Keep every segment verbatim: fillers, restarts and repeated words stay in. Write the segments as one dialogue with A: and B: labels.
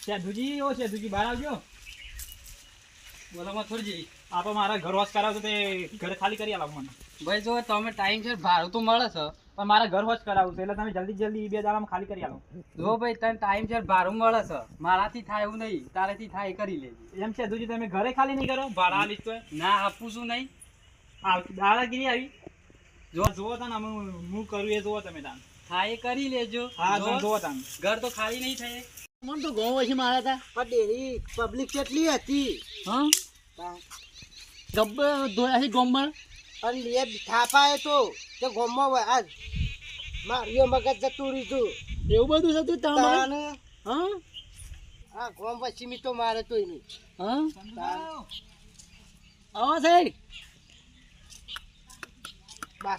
A: સેધુજી ઓ સેધુજી બહાર આવજો. બોલામાં થોડી આ તો મારા ઘર વોશ કરાવતો તે ઘર ખાલી કરી આલો મને.
B: ભાઈ જો તમે ટાઈમ છે ભાડું તો મળે છે
A: પણ મારા ઘર વોશ કરાવવું છે એટલે તમે જલ્દી જલ્દી બે દાડામાં ખાલી કરી આલો.
B: જો ભાઈ તને ટાઈમ છે ભાડું મળે છે મારાથી થાય એવું નહીં તારેથી થાય એ કરી લેજે.
A: એમ સેધુજી તમે ઘરે ખાલી નહીં કરો ભાડા આલીશ તો
B: ના આપું છું નહીં.
A: આ દાદાગીરી આવી જો જુઓ તાન અમે હું કરું એ જુઓ તમે તાન
B: થાય એ કરી લેજો.
A: હા
B: જો
A: તમે જુઓ તાન
B: ઘર તો ખાલી નહીં થાય.
C: મને તો ઘઉં પછી મારા હતા પણ ડેરી પબ્લિક કેટલી હતી
B: હા
C: ગબ્બર ધોયા છે ગોમમાં અને લે થાપાએ તો તે ગોમમાં આજ માર્યો મગજ જતું રીતું એવું બધું થતું તમારે હા હા ગોમ પછી મી તો મારે તો નહીં હા આવો સાહેબ બસ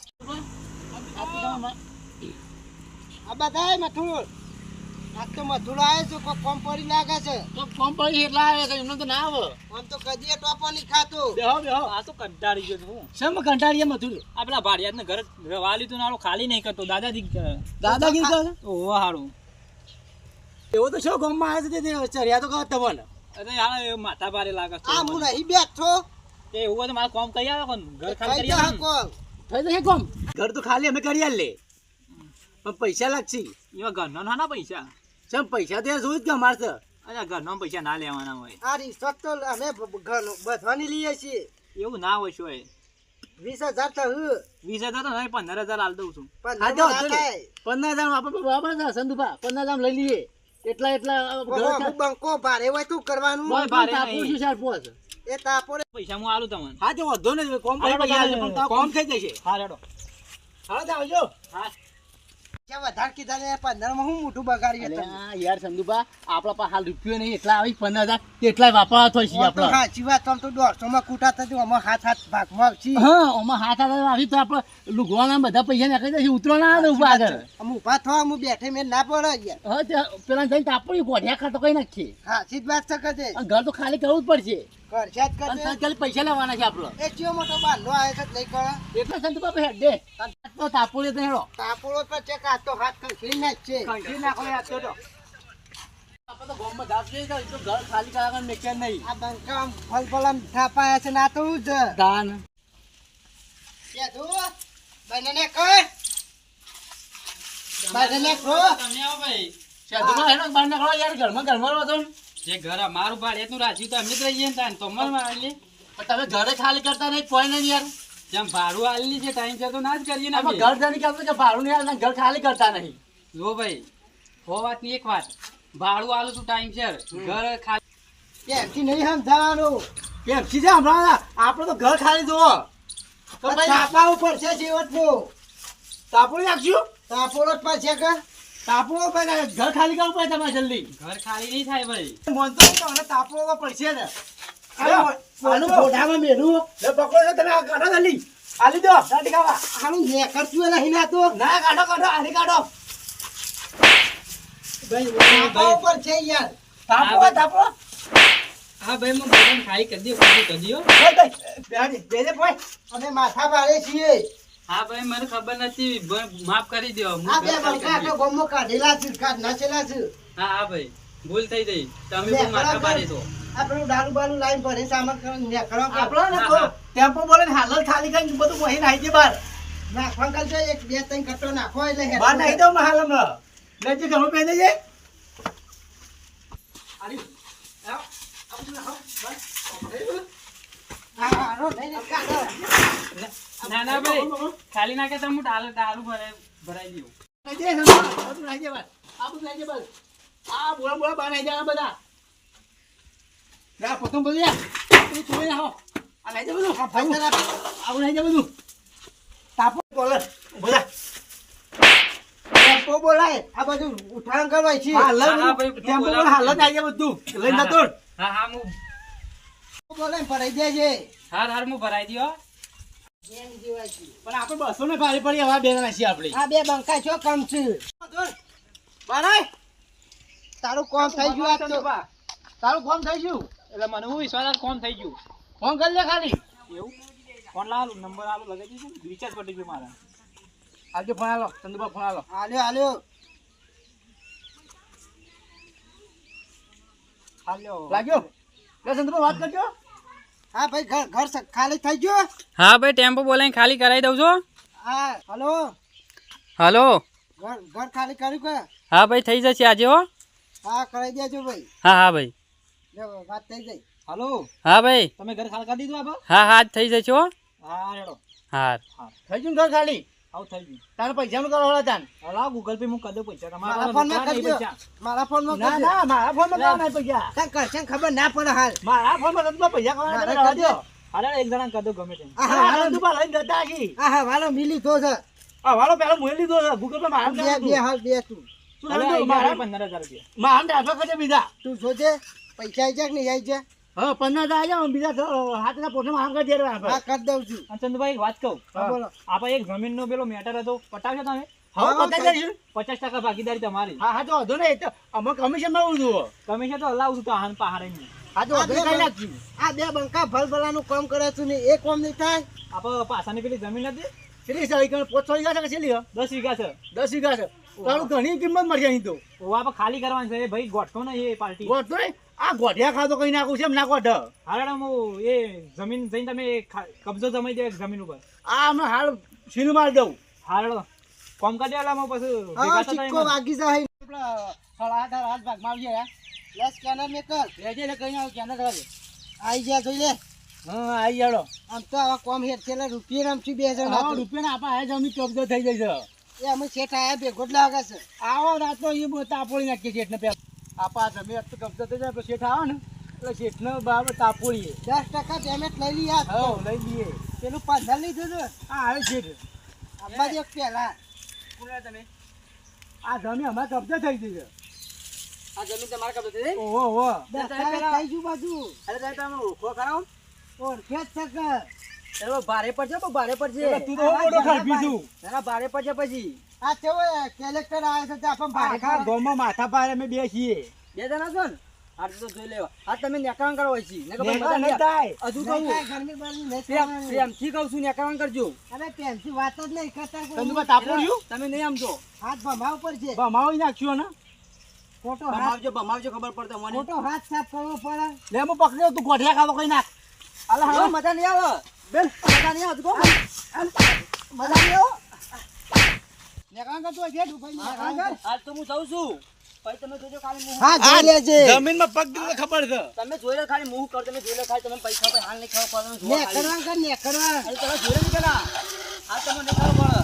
C: આ બધા મથુર આ તો મથુર આવે છે કોઈ કોમ પડી લાગે છે તો કોમ પડી એટલા આવે છે એમને તો ના આવે આમ તો કદી ટોપો નહીં ખાતો
A: બેહો બેહો આ તો કંટાળી ગયો છું
C: શેમ કંટાળીએ મથુર
A: આ પેલા ભાડિયાત ને ઘર રવા લીધું નાળો ખાલી નહીં કરતો દાદાજી
C: દાદાગીરી કરે
A: ઓહો હારું
C: એવો તો શું ગામમાં આવે છે તે ચર્યા તો કહો તમને
A: અરે યાર એ માથા ભારે લાગે છે
C: આ હું નહીં બેઠો
A: તે એવું હોય તો મારે કોમ કરી આવે કોણ ઘર ખાલી
C: થઈ
A: કરી
C: જશે
A: આવે
C: કોમ થઈ જશે કોમ ઘર તો ખાલી અમે કરી આલે પણ પૈસા લાગશે
A: એવા ઘરનો ના પૈસા
C: શેમ પૈસા તો જોઈ જ કે અમારે છે
A: અચ્છા ઘરનો પૈસા ના લેવાના હોય
C: આ રિસોર્ટ તો અમે બધવાની લઈએ છીએ
A: એવું ના હોય શું
C: વીસ હજાર તો
A: વીસ હજાર તો નહીં પંદર હજાર હાલ દઉં છું
C: પંદર હજાર આપણે બરાબર છે સંધુભા પંદર હજાર લઈ લઈએ એટલા એટલા બંકો ભારે હોય તું કરવાનું એ તાપો
A: પૈસા હું આલું તમને
C: હા તો વધો ને કોમ કોમ થઈ જશે
A: હા રેડો
C: હા આવજો
A: હા
C: વધારે કીધા ને પંદર માં હું મોટું બગાડ્યું યાર સંધુભા આપડા પાસે હાલ રૂપિયો નહીં એટલા આવી પંદર હજાર એટલા વાપરવા થાય છે આપડે સાચી વાત તો દોઢસો માં કુટા થતું આમાં હાથ હાથ ભાગમાં આવશે હા આમાં હાથ હાથ આવી તો આપડે લુગવાના બધા પૈસા નાખી દે ઉતરો ના આવે ઉભા આગળ અમે ઉભા થવા હું બેઠે મેં ના પડે યાર હા પેલા જઈને તાપડી કોઢિયા ખાતો કઈ નાખીએ હા સીધ વાત છે કે ઘર તો ખાલી કરવું જ પડશે કરશે જ કરશે ખાલી પૈસા લેવાના છે આપડે એ ચિયો મોટો બાંધો આવે છે નહીં કરે એટલે સંધુભા હેડ દે તો તાપોડે તો હેડો તાપોડો પર ચેક આ તો હાથ ખીલી નાખ છે ખીલી નાખો યાર તો આપણે તો ગામમાં દાબ જઈ તો તો ઘર ખાલી કરાવવાનું મેકે નહીં આ બંકા ફલ ફલમ થાપાયા છે ના તો જ દાન કે દો બનને કર બનને કો
B: તમને આવો ભાઈ
C: સાધુમાં હેડો બનને કરો યાર ઘરમાં ઘરમાં રહો તો
B: જે ઘર મારું ભાડે એટલું રાખ્યું તો અમે જ રહીએ ને તાન તો મન મારી
C: તમે ઘરે ખાલી કરતા નહીં કોઈ નહીં યાર
B: જેમ ભાડું આલી છે ટાઈમ છે તો ના જ કરીએ ને
C: અમે ઘર જઈને કે કે ભાડું નહીં આલતા ઘર ખાલી કરતા નહીં
B: જો ભાઈ હો વાત ની એક વાત ભાડું આલું છું ટાઈમ છે ઘર ખાલી
C: કેમથી નહીં સમજાવાનું કેમથી છે હમણાં આપણે તો ઘર ખાલી જોવો તો ભાઈ તાપા ઉપર છે જીવતનું તાપોડી નાખશું તાપોડો જ પર છે કે તાપોડો પર ઘર ખાલી કરવું પડે તમારે જલ્દી
B: ઘર ખાલી નહીં થાય ભાઈ
C: મનતો તો મને તાપોડો પડશે ને આનું ફોટામાં મેલું લે પકડો ને તમે આ કાઢો જલ્દી આલી દો દાટી ખાવા આનું ને કરતું નહીં ના તો ના કાઢો કાઢો આની કાઢો ભાઈ તાપા ઉપર છે યાર તાપો તાપો
B: હા ભાઈ હું ભોજન ખાઈ કરી દઉં ખાલી કરી દઉં
C: બેહાડી દે દે ભાઈ અમે માથા મારે છીએ
B: હા ભાઈ મને ખબર નથી માફ કરી દો
C: આ બે બંકા તો ગોમો કાઢેલા છે કાઢ નાચેલા છે
B: હા હા ભાઈ ભૂલ થઈ ગઈ તમે બહુ માથા પાડી દો
C: આપણું દારૂ બારૂ લાઈન ભરે સામાન કરીને નેકળો આપણો ને તો ટેમ્પો બોલે ને હાલત ખાલી કરીને બધું વહી નાખી દે બાર નાખવા કાલ જો એક બે ત્રણ કટો નાખો એટલે હેડ બાર નાખી દો હાલ હમણાં લેજે ઘણું પહેરી દેજે આરી આવ આપણે આવ બસ હા રો નહીં નહીં કાઢો
B: ના ના ભાઈ ખાલી નાખે તો હું ડાલ દારૂ ભરાઈ ભરાઈ દઉં
C: નાખી દે બધું નાખી દે બસ આ બધું નાખી દે બસ આ બોલા બોલા બહાર નાખી દે બધા ના પોતું બધું યાર તું છોડી નાખો આ લઈ જા બધું આવું લઈ જા બધું તાપો બોલે બોલા ટેમ્પો બોલાય આ બધું ઉઠાણ કરવાય છે ટેમ્પો બોલે હાલત આવી જાય બધું લઈ જતો
B: હા હા હું
C: બોલે ભરાઈ દેજે
B: હાર હાર હું ભરાઈ દઉં
C: પણ આપણે બસો ને ભારી પડી હવે બે જણા છીએ આપણે આ બે બંકા છો કમ છે બરાય તારું કોમ થઈ ગયું આ તો તારું કોમ થઈ ગયું
A: એટલે મને હું વિશ્વાસ કોમ થઈ ગયું
C: ફોન કરી લે ખાલી
A: એવું ફોન લાવ નંબર આલો લગાવી દીધું રિચાર્જ પટી ગયું મારા
C: આવજો ફોન આલો ચંદુભા ફોન આલો આલ્યો આલ્યો
A: હાલ્યો
C: લાગ્યો લે સંદુભા વાત કરજો હા ભાઈ ઘર ઘર સ- ખાલી થઈ ગયો
B: હા ભાઈ ટેમ્પો બોલાવીને ખાલી કરાવી દઉં છો
C: હા હલો
B: હલો
C: ઘર ઘર ખાલી કર્યું કે
B: હા ભાઈ થઈ જશે આજે હો
C: હા કરાવી દેજો ભાઈ
B: હા હા ભાઈ
C: લે વાત થઈ ગઈ
A: હાલો
B: હા ભાઈ
A: તમે ઘર ખાલી કરી દીધું આપ
B: હા હા થઈ જશે હો
A: હા રેડો
B: હા
C: થઈ ગયું ઘર ખાલી
A: આવું થઈ ગયું
C: તારે પૈસાનું કરો હળા તાન
A: હલા ગૂગલ પે હું કરી દઉં પૈસા
C: મારા
A: તમારા
C: ફોનમાં
A: રોકડા નહીં
C: કરજો
A: પૈસા.
C: મારા ફોનમાં ના ના મારા ફોનમાં કામ નહીં પૈસા તાર કરશે ને ખબર ના પડે હાલ મારા ફોનમાં તમને પૈસા કામ
A: મારે
C: ના
A: કરજો. હાલે એક જણા કરી દઉં ગમે તેમ
C: આ હા હાલો દુબા લઈને જતા છી આ હા વાલો મિલી તો છે આ વાલો પેલો મુએ લીધો છે ગૂગલ પે મારા બે બે હાલ બે તું તું
A: હાલે
C: સમજો
A: એક
C: મારા
A: જણા પંદર હજાર રૂપિયા
C: મારા ટ્રાન્સફર કરજે બીજા તું જોજે પૈસા આવી જાય કે નહીં આવી જાય હા પંદર હજાર આવી જાય બીજા હાથના પોટમાં આમ કરી દે હા કરી દઉં છું
A: અને ચંદુભાઈ એક વાત કહું
C: હા બોલો
A: આપણે એક જમીનનો પેલો મેટર હતો પટાવશો તમે
C: હા બતાવી દઈશું
A: પચાસ ટકા ભાગીદારી તમારી
C: હા હા તો વાંધો નહીં તો અમે કમિશન માં ઉધું
A: કમિશન તો હલાવું છું તો આહાન પહાડે નહીં
C: હા તો વાંધો નહીં કરી નાખી આ બે બંકા ભલભલાનું કામ કરે છું ને એ કામ નહીં થાય
A: આપણે પાસાની પેલી જમીન હતી
C: કેટલી સારી કણ પોચ વીઘા છે કે છેલ્લી
A: દસ વીઘા છે
C: દસ વીઘા છે તારું ઘણી કિંમત મળશે અહીં તો
A: ઓ આપણે ખાલી કરવાની છે એ ભાઈ ગોઠતો ને એ પાર્ટી
C: ગોઠ તો નહીં આ ગોઠિયા ખાતો કઈ નાખું છે એમ ના ગોઠ
A: હારે હું એ જમીન જઈને તમે ખા- કબજો જમાઈ દે જમીન ઉપર
C: આ અમે હાલ સીલ માર દઉં
A: હારડો કોમ કરી દેલા પછી
C: હા
A: ભેગા
C: સિક્કો
A: થતા
C: વાગી જાય આપણા હળા હાથ ભાગમાં આવી જાય લે સ્કેનર મેં કર લેજે લે કઈ આવ સ્કેનર કર આઈ ગયા જોઈ લે હા આઈ જાડો આમ તો આવા કોમ હેર છેલ્લા રૂપિયા રમશું બે હજાર હા રૂપિયા આપા આ જમી કબજો થઈ જાય છે એ અમે શેઠ આયા ભેગો જ લાગે છે આવો રાત તો એ તાપોળી નાખીએ શેઠને પેલા આપા જમી તો કબજો થઈ જાય તો શેઠ આવે ને એટલે શેઠને બરાબર તાપોળીએ દસ ટકા પેમેન્ટ લઈ લઈએ હા લઈ લઈએ પેલું પંદર લીધું છે હા આવે શેઠ આપા દે પેલા તમે આ જમી અમારે કબજો થઈ ગઈ છે
B: આ જમીન તમારા કબજે થઈ
C: ઓહો ઓહો થઈ ગયું બાજુ
B: અરે સાહેબ તમે ઓળખો કરાવો
C: ઓળખે જ છે કે
B: એનો ભારે પડશે બહુ ભારે પડશે
C: તું તો મોટો ખરપી છું
B: એના ભારે પડશે પછી
C: આ કેવો કેલેક્ટર આવે છે તે આપણ આખા ગામમાં માથા પારે અમે બે છીએ
B: બે જણા છો ને આ તો જોઈ લેવા આ તમે નેકાણ કરો હોય છે ને કે
C: નેકળા
B: ભાઈ
C: નહીં થાય.
B: હજુ કહું
C: ગરમી બરમી નહીં
B: પ્રેમ
C: થવાની.
B: પ્રેમથી કહું છું નેકાણ કરજો
C: અરે પેન્સી વાત જ નહીં કરતા કોઈ.
B: તમે તાપોડ્યું તમે નહીં આમજો
C: હાથ ભમાવ પર છે
B: ભમાવી નાખ્યો ને
C: ખોટો હાથ
B: ભમાવજો ભમાવજો ખબર પડતો મને
C: ખોટો હાથ સાફ કરવો પડે
B: લે હું પકડ્યો તું ગોઠિયા ખાતો કઈ નાખ અલા હવે મજા નહીં આવે બેન મજા નહીં આવતું કહો
C: મજા નહીં આવો નેકાણ કરતો હોય છે દુભાઈ નેકાણ કર.
B: આજ તો હું જઉં છું પછી તમે જોજો ખાલી મું
C: હા જોઈ લેજે
D: જમીનમાં પગ દીધો ખબર છે
B: તમે જોઈ લો ખાલી મું કર તમે જોઈ લો ખાલી તમે પૈસા પર હાલ નહીં ખાવા પડે તમે જોવા ખાલી.
C: નેકરવા કર નેકરવા
B: અરે તમે જોઈ લો પેલા આ તમને નહીં ખાવા પડે